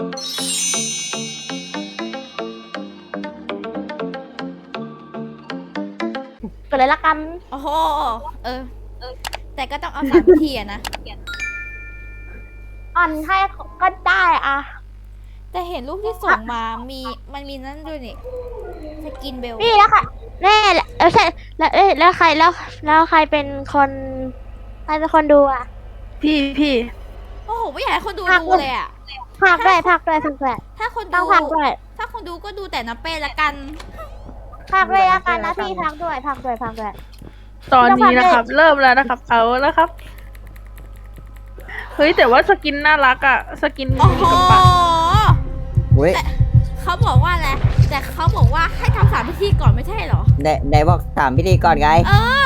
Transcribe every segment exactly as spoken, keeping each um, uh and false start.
ก็เลยละกันโอ้โหเออแต่ก็ต้องเอาสามวิธีอะนะอ่อนให้ก็ได้อะแต่เห็นรูปที่ส่งมามีมันมีนั่นด้วยนี่สกินเบลนี่แล้วค่ะแน่แหละเออใช่แล้วเอ้ยแล้วใครแล้วแล้วใครเป็นคนใครเป็นคนดูอ่ะพี่พี่โอ้โหไม่อยากให้คนดูภาคดูเลยอะพักด้วยพักด้วยพักด้วยถ้าคนต้ดูองพักด้วยถ้าคนดูก็ดูแต่น้ำเป้ละกันพักด้วยละกันนะพี่พักด้วยพักด้วยพักด้วยตอนนี้นะครับ เริ่มแล้วนะครับ เอาแล้วครับ เฮ้ยแต่ว่าสกินน่ารักอะสกินโอ้โหกับปะเว้ยแต่เขาบอกว่าอะไรแต่เขาบอกว่าให้ทำสามพิธีก่อนไม่ใช่เหรอไหนไหนบอกถามพิธีก่อนไงเออ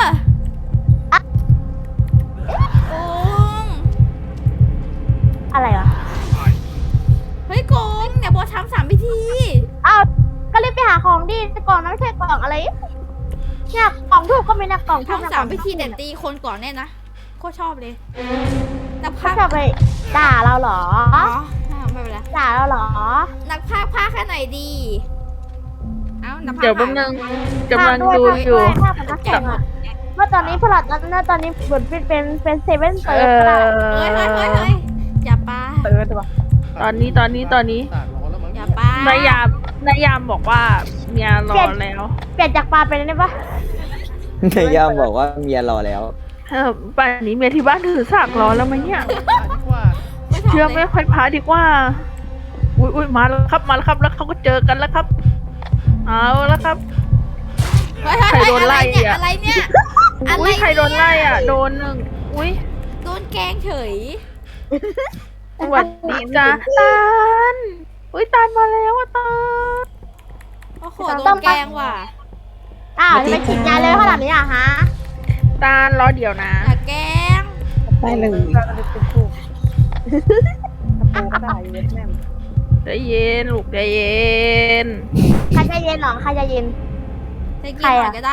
โกงอะไรวะเฮ้ยโกงเนี่ยบอกทำสามพิธีอ้าวก็รีบไปหาของดิกล่องนั้นไม่ใช่กล่องอะไรเนี่ยกล่องทูบก็มีนะกล่องทูบทำสามพิธีแต่ตีคนก่อนเนี่ยนะโคตรชอบเลยนักเขาพากย์จะไปด่าเราเหรออ๋อไม่เป็นไรด่าเราเหรอนักพากย์พากย์แค่ไหนดี เอ้านักพากย์เดี๋ยวแป๊บนึงกำลังภาคดูด้วยอยู่ภาคด้วยภาคเหมือนนักแข่งอะเมื่อตอนนี้พวกเราตอนนี้ตอนนี้เหมือนเป็นเป็นเป็นเซเว่นเอเติร์ดอเฮ้ยเฮ้ยเฮ้ยเฮ้ยอย่าปาเติร์ดวะตอนนี้ตอนนี้ตอนนี้อย่าปานายามนายามบอกว่าเมียรอแล้วเปลี่ยนจากปลาเป็นอะไรปะนายยามบอกว่าเมียรอแล้วเออป่านนี้เมียที่บ้านถือสากรอแล้วไหมเนี่ยไม่ชอบเชื่อเลไม่ยค่อยพาดีกว่า อุ้ยอุ้ยมาแล้วครับ มาแล้วครับ แล้วเขาก็เจอกันแล้วครับ เอาแล้วครับเฮ้ยเฮ้ยใครโดนเฮ้ยไล่อะไรเนี่ยอ่ะอะไรเนี่ยอะไรอุ้ยเนี่ยใครโดนไล่อ่ะ โดนหนึ่งอุ้ยโดนแกล้งเฉยสวัสดีจ้าตาลอุ้ยตาลมาแล้วอ่ะตาลโอ้โหโดนแกล้งว่ะอ้าวจะไปฉีดยาเลยขนาดนี้อ่ะฮะตาลรอเดี๋ยวนะอย่าแกล้งได้เลยใจเย็นลูกใจเย็นใครจะเย็นหรอใครจะเย็นจะกินใครหน่อะอยก็ได้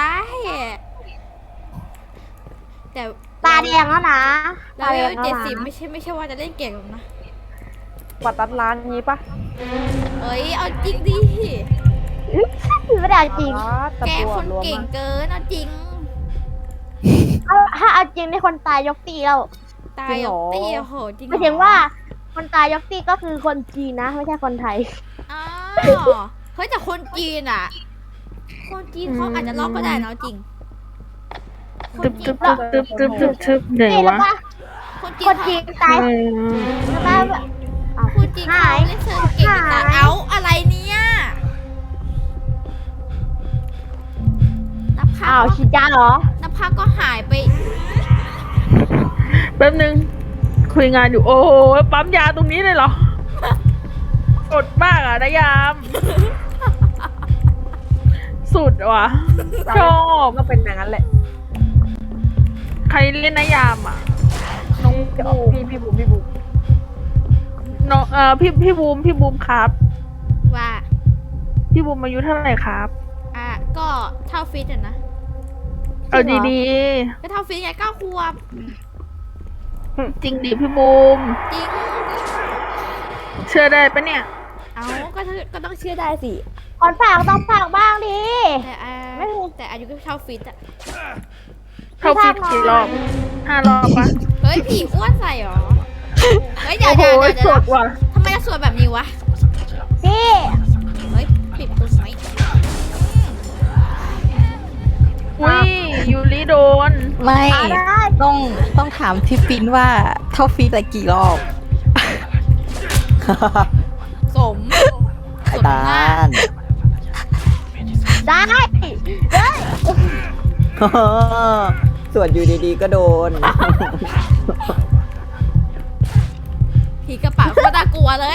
แต่ตาแดงแล้วนะเราตาแดเวงลแล้วเจ็ดนะสิบไม่ใช่ไม่ใช่ว่าจะเล่นเก่งหรอกนะกว่าตัดร้านนี้ปะเอ้ยเอาจริงดิไม่ได้เอาจริงอ๋อตะแกล้งบัวคนรวมเก่งมาเกินเอาจริงเอาถ้าเอาจริงในคนตายยกตีแล้วตายยกตีโอ้โหจริงหมายถึงว่าคนตายยกตีก็คือคนจีนนะ ไม่ใช่คนไทยอ๋อเฮ้ยแต่คนจีนอ่ะ คนจีนเขาอาจจะลอกก็ได้นะเอาจริง คนตึบจีตึนบตึบตึบตึบตึบตึบไหนนี่แล้ววะก็คนจีคน นจีนตายเออแล้วก็เอาคนจีนหาเขายเล่นเซิร์ฟเก่งแต่หายเอาอะไรเนี่ยนับภาอ้าวพฉีดยาเหรอนับภาพก็หายไปแป๊บนึง คุยงานอยู่ โอ้โหปั๊มยาตรงนี้เลยเหรอ สดมากอ่ะนายาม สุดว่ะ ชอบก็เป็นอย่างนั้นแหละใครเล่นนายามอ่ะ น้องจะบูออกมพี่พี่บุ๋มพี่บุ๋มน้องเอ่อพี่พี่บูมพี่บูมครับว่าพี่บูมอายุเท่าไหร่ครับอ่ะก็เท่าฟิตอ่ะนะเอาดีก็เท่าฟิตไงเก้าขวบๆ จริงดิพี่บูมจริงเชื่อได้ปะเนี่ยเอาก็ก็ต้องเชื่อได้สิก่อนฝากต้องฝากบ้างดิแต่อ่าไม่รู้แต่อายุก็เท่าฟิตอ่ะเข้าฟิตกี่รอบห้ารอบปะเฮ้ยผีอ้วนใส่หรอ เฮ้ยเดี๋ยวโอ้โหเดี๋ยวเดี๋ยวสดว่ะทำไมจะสวยแบบนี้วะพี่เฮ้ยปิดตัวไหมอุ้ยยูริโดนไม่เอาได้ต้องต้องถามพี่ฟินว่าเท่าฟีดละกี่รอบสมไข่ตาลได้เฮ้ยส่วนอยู่ดีๆก็โดนผีกระป๋าโคตรน่ากลัวเลย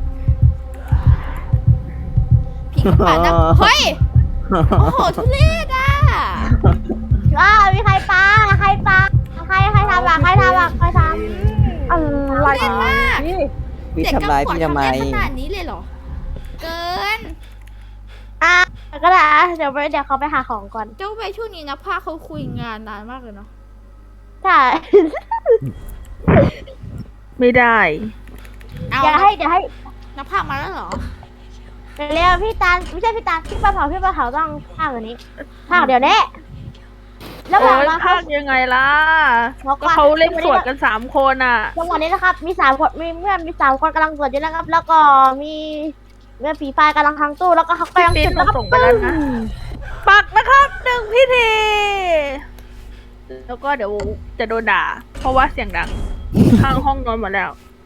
ผีกระป๋าน่าเฮ้ย โอ้โหทุเรศอ่ะว้าวมีใครปาใครปาใครใครทำอ่ะใครทำอ่ะใครทำอะไรเล่นมากพี่พี่เด็กทำร้ายกำขวดพี่ทำไมทำได้ขนาดนี้เลยเหรอ เกินอ่ะก็ได้อ่ะเดี๋ยวไปเดี๋ยวเขาไปหาของก่อนเจ้าไปช่วงนี้นะพาเขาคุยงานนานมากเลยเนาะใช่ไม่ได้เอาเดี๋ยวให้เดี๋ยวให้นักภาคมาแล้วเหรอเร็วพี่ตาลไม่ใช่พี่ตาลพี่ปลาเผาพี่ปลาเผาต้องภาคแบบนี้ภาคเดี๋ยวนี้แล้วบโอ้อกยมาภาคยังไงล่ะบอกก็ว่าเขาเล่นสวดกันสามคนอ่ะจังหวะนี้นะครับ มีสามคนมีเพื่อนมีสามคนกำลังสวดอยู่นะครับ แล้วก็มีเมื่อผีไฟกำลังทางตู้แล้วก็เขากำลังพี่จุปิ๊ดนแล้วก็ส่งไปแล้วนะ ปักนะครับหนึ่งพิธี แล้วก็เดี๋ยวจะโดนด่า เพราะว่าเสียงดัง ข้างห้องนอนหมดแล้ว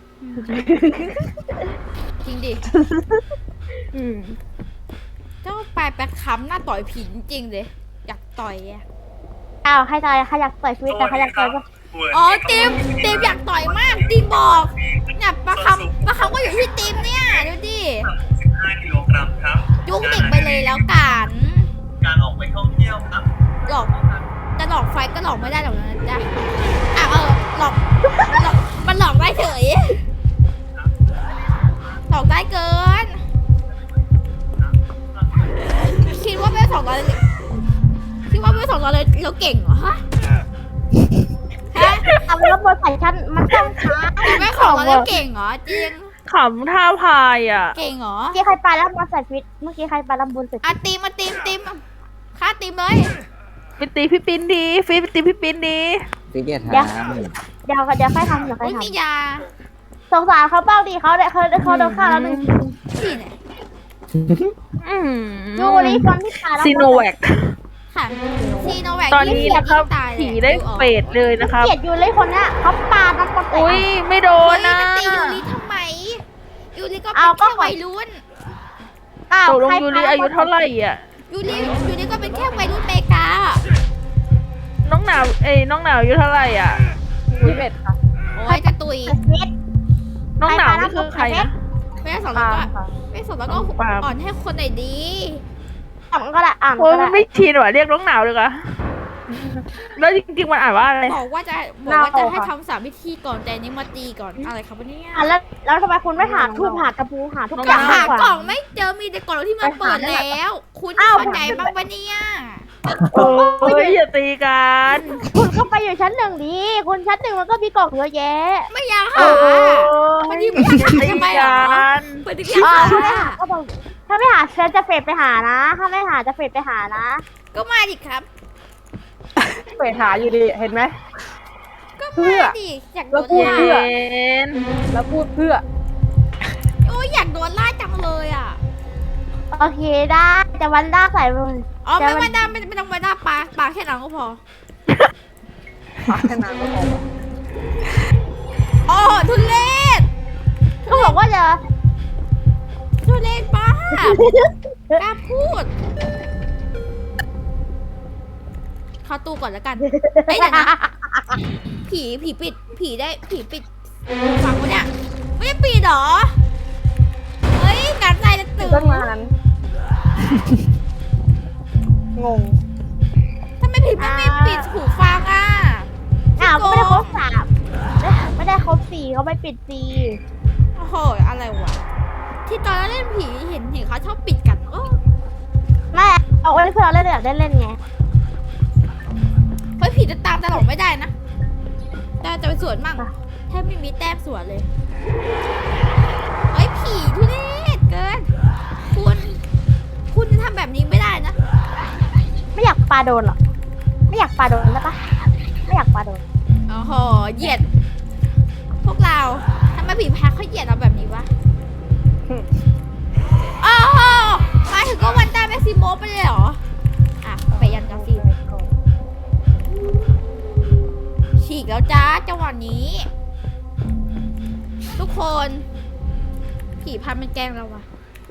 จริงดิอืมเจ้าปลายแป๊กค้ำหน้าต่อยผีจริงๆเลย อยากต่อยอะอ้าวใครตายใครอยากต่อยชีวิตแต่ใครอยากต่อยก็อ๋อติมติมอยากต่อยมากติมบอกเนี่ยปลาคำปลาคำก็อยู่ที่ติมเนี่ยดูดิสิบห้ากิโลกรัมครับยุ้งเด็กไปเลยแล้วกันการออกไปท่องเที่ยวครับหลอกจะหลอกไฟก็หลอกไม่ได้หรอกนะจ๊ะอ่ะเออหลอกมันหลอกมันหลอกได้เฉยหลอกได้เกิน คิดว่าเวลสองร้อยคิดว่าเวลสองร้อยเลยเราเก่งเหรอฮะฮะเอาแล้วบนใส่ชั้นมันต้องช้าเวลสองร้อยเราเก่งเหรอจริงขำท่าพายอ่ะเก่งเหรอเมื่อกี้ใครไปแล้วมาใส่ฟิตเมื่อกี้ใครไปแล้วบนใส่อ่ะตีมมาตีมตีมฆ่าตีมเลยไปตีพี่ปิ้นดีฟีไปตีพี่ปิ้นดีฟิตเนียทเดี๋ยวเดี๋ยวเดี๋ยวใครทำเดี๋ยวใครอุ้ยทมียาำสงสารเขาบ้างดิเขาได้เขาเขาโดนฆ่าแล้วหนึ่งที่ไหนอืมยูริคนที่ตายแล้วซีโนแวคค่ะซีโนแวคตอนนี้นะครับตายผีได้เฟดเลยนะครับเกลียดยูริคนเนี้ยเขาปาน้ำคนใส่อุ้ยไม่โดโอ้นยนะจะตียูริทำไมยูริก็เป็เอานก็แค่วัยรุ่นอ้าวตกลงใครยูริอายุเท่าไหร่อ่ะยูริยูริก็เป็นแค่วัยรุ่นเมกาน้องหนาวเอ้ยน้องหนาวอายุเท่าไหร่อ่ะยี่สิบเอ็ดค่ะโอ้ยจะตุยฟิตน้องหนาวนี่คือใครนะไม่ได้สอนแล้วปาก็ล์มค่ะไม่สอนแล้วก็ปาล์มอ่อนให้คนไหนดีอ่านก็ได้อ่านโอ้ยก็มัได้นไม่ชินว่ะเรียกน้องหนาวเลยอะแล้วจริงๆมันอ่านว่าอะไรบอกว่าจะบอกว่าจะให้ทำสามพิธีก่อนแต่อันนี้มาตีก่อนอะไรครับวันนี้อ่ะแล้วแล้วทำไมคุณไม่หาทูบหากระปูหาทุกอก็ย่างหามากกว่ากล่องไม่เจอมีแต่กล่องที่มันเปิดแล้ว คุณอ้าวเข้าใจบ้างปะเนี่ยโอ้ยอย่าตีกันคุณก็ไปอยู่ชั้นหนึ่งดีคุณชั้นหนึ่งมันก็มีกล่องเยอะแยะไม่อยากโอ้หายวันนี้ไม่อยากหาทำไมเหรอกันเปิดที่อยากอ่าหาก็บอกถ้าไม่หาฉันจะเฟดไปหานะ ถ้าไม่หาจะเฟดไปหานะก็มาดิครับเปิดหาอยู่ดีเห็นไหมก็เพื่มาอดิอยากโดแล้วนพูดล่าเพื่อเอ็นแล้วพูดเพื่อโอ้ยอยากโดนล่าจังเลยอ่ะโอเคได้จะวันด้าใส่เลยอ๋อไม่ไม่ได้ไม่ไม่ต้องไม่ได้ปลาปลาแค่นั้นก็พอปากแค่นั้นก็พออ๋อทุเรศเขาบอกว่าจะทุเรศป้ากล้าพูดเข้าตู้ก่อนแล้วกันเฮ้ยเดี๋ยวนะผีผีปิด ผีได้ผีปิดฟังวะเนี่ยไม่ได้ปิดเหรอเฮ้ยการใจจะตื่นตั้งนานงงทำไมผีไม่ไม่ปิดหูฟังอ่ะอ้าวไม่ได้ครบสามไม่ได้ครบสี่เขาไม่ปิดสี่โอ้โหอะไรวะที่ตอนเราเล่นผีเห็นเห็นเขาชอบปิดกันเออแม่เอาไว้เพื่อเราเล่นอยากได้เล่นไงเฮ้ยผีจะตามตลอดไม่ได้นะแต่จะไปสวนมั่งแทบไม่มีแต้มสวนเลยเฮ้ยผีทุเรศเกินคุณคุณจะทำแบบนี้ไม่ได้นะไม่อยากปาโดนหรอไม่อยากปาโดนนะปะไม่อยากปาโดนโอ้โหเหยียด พวกเราทำไมผีแพ้เขาเหยียดเราแบบนี้วะโอ้โหมาถึงก็วันตาแม็กซิโมไปเลยเหรออ่ะไปยันกาซีฉีกแล้วจ้าจังหวะนี้ ทุกคน ผีพันมันแกล้งเราวะ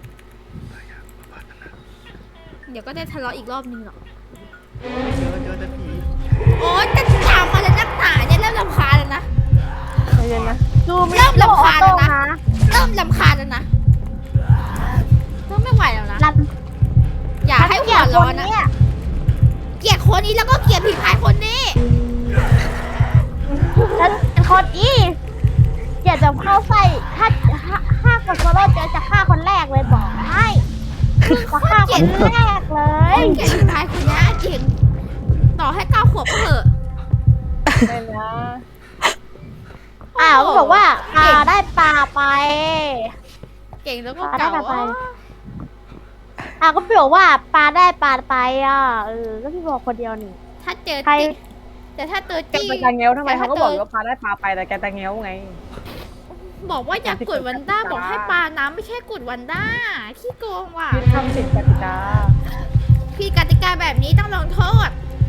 เดี๋ยวก็ได้ทะเลาะอีกรอบนึงหรอกเจอเจอแต่ผีโอ๊ยจะตามมาแล้วนักหนาเนี่ยเริ่มรำคาญแล้วนะใจเย็นนะดูไม่เริ่มรำคาญแล้วนะนะเริ่มรำคาญแล้วนะเริ่มไม่ไหวแล้วนะรันอย่าให้หัวร้อนนะเนี่ยเกลียดคนนี้แล้วก็เกลียดผีพายคนนี้ฉันเป็นคนอีอยากจะเข้าใส่ถ้าถ้ากับโซโล่เจอจะฆ่าคนแรกเลยบอกให้จะฆ่าคนแรกเลยเกลียดผีพายคนนี้จริงต่อให้เก้าขวบก็เถอะเป็นนะอ้าวก็บอกว่าปลาได้ปลาไปเก่งแล้วก็ปลาได้เก่าปลาไปอ๋ออ่ะก็พี่บอกว่าปลาได้ปลาไปอ่ะเออก็พี่บอกคนเดียวนี่ถ้าเจอใครจี้แต่ถ้าเจอแกจี้ไปตาเงี้ยวทำไมแต่เขาถ้าก็บอกเจอว่าปลาได้ปลาไปแต่แกตาเงี้ยวไงบอกว่าอยากกดวันด้าบอกให้ปลาน้ำไม่ใช่กดวันด้าขี้โกงว่ะพี่ทำผิดกติกาพี่กติกาแบบนี้ต้องลงโทษ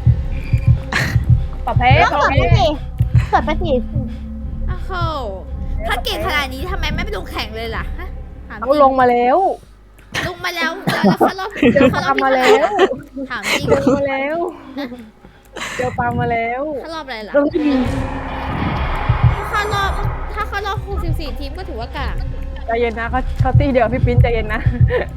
ประเภทแล้วประสดเภไปทสิสดไปสิโอ้โหถ้าเก่งขนาดนี้ทำไมไม่ไปลงแข่งเลยล่ะฮะถามจเขาริงลงมาแล้วลงมาแล้วแล้วเขารอบเจอเขาปรอลาบมาที่แล้วถามจริงเจอมาแล้วเจอปลามาแล้วเขารอบอะไรล่ะลงที่ถ้าเข้ารอบถ้าเข้ารอบหกสิบสี่ทีมก็ถือว่ากากใจเย็นนะเขาเขาตีเดี๋ยวพี่ปิ้นใจเย็นนะ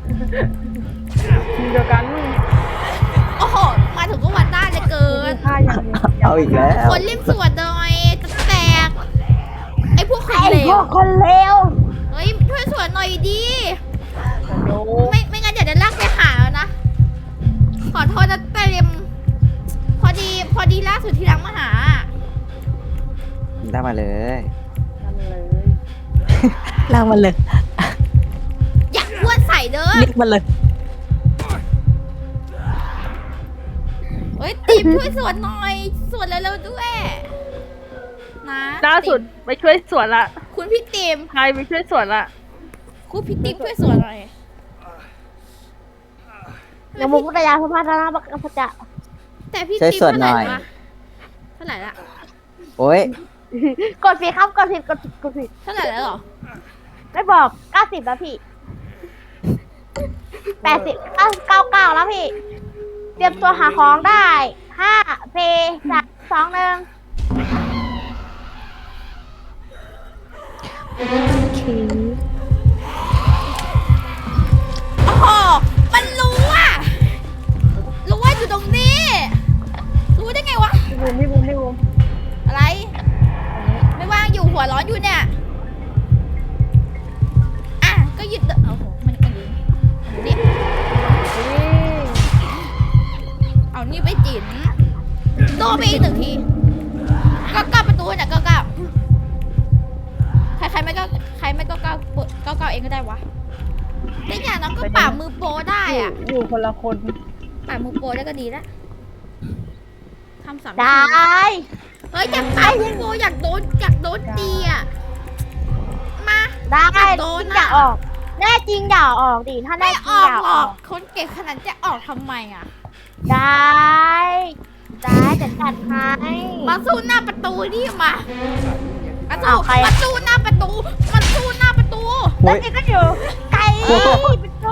ทีมเดียวกันโอ้โหมาถึงก็วันด้าเลยเกินค่ายังเอาอีกแล้วคนรีบสวดหน่อยจะแตกไอ้พวกคนไอ้เลพววกคนเลวเฮ้ยช่วยสวดหน่อยดีโยไม่ไม่งั้นเดี๋ยวจะลากไปหาแล้วนะ ขอโทษนะเต็มพอดีพอดีล่าสุดที่รังมาหาได้มาเลยนั่นเลยลากมันเลยอยากอ้วนใส่เด้อเรียกมันเลยเฮ้ยตีมช่วยสวดหน่อยสวดเร็วๆด้วยนะล่าสุดไปช่วยสวนละคุณพี่ตีมใครไปช่วยสวนละคุณพี่ตีมช่วยสวดหน่อยอย่ามุกตยาสภาธนาบักกษัตริย์แต่พี่ช่วยตีมสวดเท่าหไหน่ร่อยวะเท่าไหร่ละโอ้ยกดผิดครับกดผิดกดผิดกดผิดเท่าไหร่แล้วเหรอไม่บอกเก้าสิบแล้วพี่แปดสิบเก้าเก้าเก้าแล้วพี่ เตรียมตัวหาของได้ห้าเพสามสองหนึ่งโอเคโอ้โหมันรู้อ่ะรู้ว่าอยู่ตรงนี้ รู้ได้ไงวะพี่บูมพี่บูมพี่บูมอะไร ไม่ว่างอยู่หัวร้อนอยู่เนี่ย อ่ะ ก็หยุดเถอะโอ้โห มันมันอยู่นี่เอานี่ไปจิ๋นโดนไปอีกหนึ่งทีก็ก้าประตูเนี่ยก็ก้าใครใครไม่ก็ใครไม่ก็ก้าเปิดก็ก้าเองก็ได้วะแต่อย่างน้องก็ป่ามือโปรได้อยู่อ่ะอยู่คนละคนป่ามือโปรได้ก็ดีแล้วทำสามไดที้เฮ้ยอยากป่ามือโปรอยากโดนอยากโดนตีอ่ะ มาได้อยากโดนอย่าอ่ะออก แน่จริงอย่าออกดิถ้าแน่ไม่จอริงอกอย่าหรอออก กคนเก่งขนาดจะออกทำไมอ่ะได้ ได้จะจัดให้มาสู้หน้าประตูนี่มามาสู้อ้าวใครอะมาสู้หน้าประตูมาสู้หน้าประตูแล้วนี่ก็อยู่ไกลประตู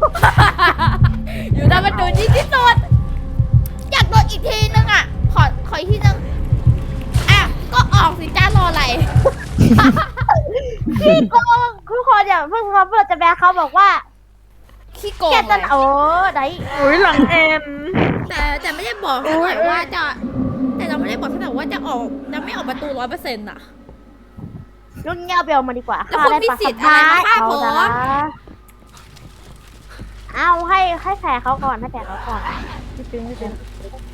อยู่หน้าประตูนี่ที่สุดอยากโดนอีกทีนึงอ่ะ ขอขออีกทีนึงอ่ะก็ออกสิจ้ารออะไรพี่โกงทุกคนอย่าเพิ่งเขาเพื่อจะแบกเขาบอกว่าขี้โกงแกจะเลยโอ้ได้อุ้ยหลังเอ็นแต่แต่ไม่ได้บอกเท่าไหร่ว่าจะ แต่เราไม่ได้บอกเท่าไหร่ว่าจะออกจะไม่ออกประตูร้อยเปอร์เซ็นต์อ่ะรุ่นเงี้ยเบลมาดีกว่าแล้วคุณมีสิทธิ์อะไรมาฆ่าผมเอาให้ให้แผลเขาก่อนให้แผลเขาก่อนพี่ปิ้นพี่ปิ้น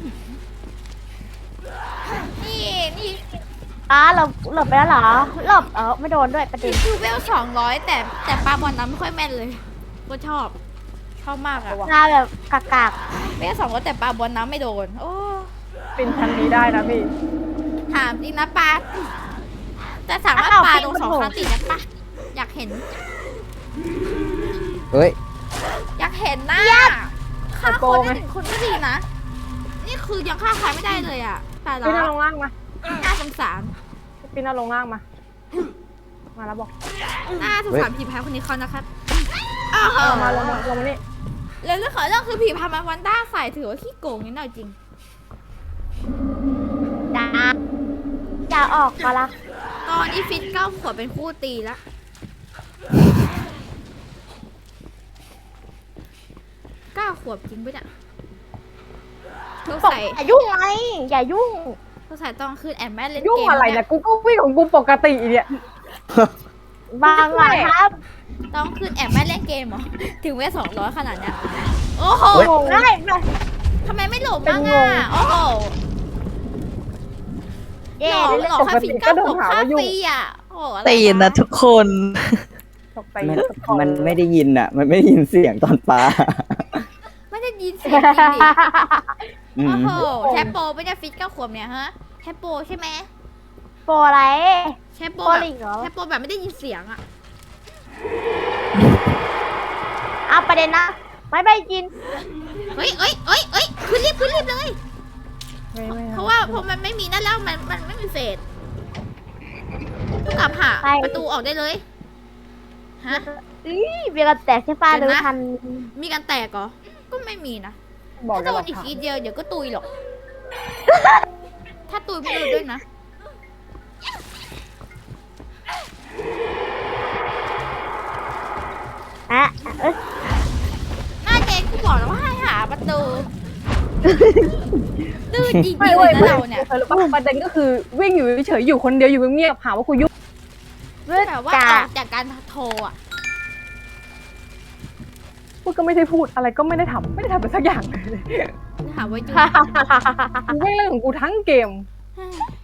นี่นี่อ่าหลบหลบไปแล้วเหรอหลบเออไม่โดนด้วยประเด็นคือเวลสองร้อยแต่แต่ปลาบอลน้ำไม่ค่อยแม่นเลยก็ชอบ ชอบมากอะหน้าแบบกากากเวลสองร้อยแต่ปลาบอลน้ำไม่โดน โอ้ปิ้นชั้นนี้ได้นะพี่ถามจริงนะปลาแต่สามารถปลาโดนสองครั้งติดนะปะอยากเห็นเฮ้ยอยากเห็นหน้าฆ่าคนได้หนึ่งคนก็ดีนะ นี่คือยังฆ่าใครไม่ได้เลยอะตายแล้ปิ้นเอาลวงล่างมาน่าสงสารพี่ปิ้นเอาลงล่างมา มาแล้วบอกน่าสงสารผีพายคนนี้เขานะครับอ้าวเอามาลงมาลงมานี่แล้วเรื่องของเรื่องคือผีพายมาวันด้าใส่ถือว่าขี้โกงนิดหน่อยจริงจ้าอย่าออกมาละตอนนี้ฟิตเก้าขวบเป็นคู่ตีแล้วเก้าขวบจริงปะเนี่ยเธอตกใส่อย่ายุ่งไงอย่ายุ่งเธอใส่ตอนคืนแอนแม่เล่นยุ่งเกมอะไรเนี่เนี่ย ยกูก็วิ่งของกูปกติเนี่ยบางหลังครับตอนคืนแอบแม่เล่นเกมเหรอ ถึงเวลสองร้อยขนาดเนี้ย โอ้โหเฮ้ยได้ไหมทำไมไม่หลบบ้างอ่ะ โอ้โหเย่หลอกเล่นหลอกค่าฟิตเก้าขวบค่าฟรีอ่ะ โอ้โหอะไรตีนนะทุกคนสตกใจมันมันไม่ได้ยินอ่ะ มันไม่ได้ยินเสียงตอนปลาไม่ได้ยินเสียงจริงดิอืโอ้มโหแชปโปไม่ได้ฟิตเก้าขวบเนี่ยฮะแชปโปใช่ไหมโปรอะไรแชปโปโปรแบบลิงเหรอแชปโปแบบไม่ได้ยินเสียงอะเอาประเด็นนะ ไม่ไปกินเฮ้ยเอ้ยเอ้ยเอ้ยขึ้นรีบขึ้นรีบเลยไม่ไม่เพราะว่าพอมันไม่มีนั่นแล้วมันมันไม่มีเฟสต้องกลับหาไปประตูออกได้เลยฮะอีเบียร์กันแตกใช่ป้าเดี๋ดูยวนะทันมีการแตกเหรอก็ไม่มีนะบอกถ้าจะโดหลันกอีกฐานทีเดียวเดี๋ยวก็ตุยหรอก ถ้าตุยไม่รู้ด้วยนะอ่ะเอ้ยหน้าเจนกูบอกแล้วว่าให้หาประตูดื้อจริงๆไม่เลเว้ยยนะไม่เราเนี่ยเธอรู้ปะประเด็นก็คือวิ่งอยู่เฉยๆอยู่คนเดียวอยู่เงียบๆหาว่ากูยุ่งแบบว่าจ้าออกจากการโทรอ่ะพูดก็ไม่ได้พูดอะไรก็ไม่ได้ทำไม่ได้ทำไปสักอย่างเลยหาว่าอยู่กูวิ่งเรื่องของกูทั้งเกมเฮ้ย